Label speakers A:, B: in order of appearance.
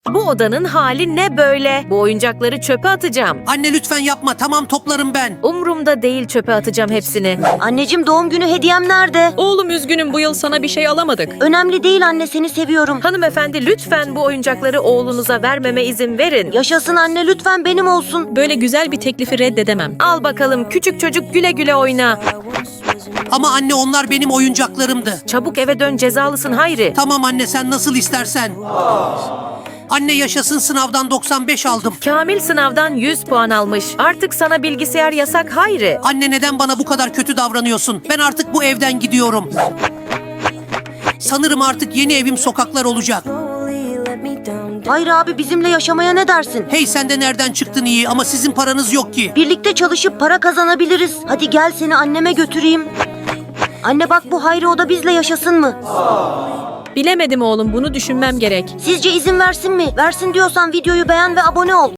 A: Bu odanın hali ne böyle? Bu oyuncakları çöpe atacağım.
B: Anne lütfen yapma, tamam toplarım ben.
A: Umrumda değil, çöpe atacağım hepsini.
C: Anneciğim, doğum günü hediyem nerede?
D: Oğlum üzgünüm, bu yıl sana bir şey alamadık.
C: Önemli değil anne, seni seviyorum.
A: Hanımefendi, lütfen bu oyuncakları oğlunuza vermeme izin verin.
C: Yaşasın anne, lütfen benim olsun.
D: Böyle güzel bir teklifi reddedemem.
A: Al bakalım küçük çocuk, güle güle oyna.
B: Ama anne onlar benim oyuncaklarımdı.
A: Çabuk eve dön, cezalısın Hayri.
B: Tamam anne, sen nasıl istersen. Anne yaşasın, sınavdan 95 aldım.
A: Kamil sınavdan 100 puan almış. Artık sana bilgisayar yasak Hayri.
B: Anne neden bana bu kadar kötü davranıyorsun? Ben artık bu evden gidiyorum. Sanırım artık yeni evim sokaklar olacak.
C: Hayır abi, bizimle yaşamaya ne dersin?
B: Hey, sen de nereden çıktın iyi, ama sizin paranız yok ki.
C: Birlikte çalışıp para kazanabiliriz. Hadi gel, seni anneme götüreyim. Anne bak, bu Hayri, o da bizle yaşasın mı?
D: Bilemedim oğlum, bunu düşünmem gerek.
C: Sizce izin versin mi? Versin diyorsan videoyu beğen ve abone ol.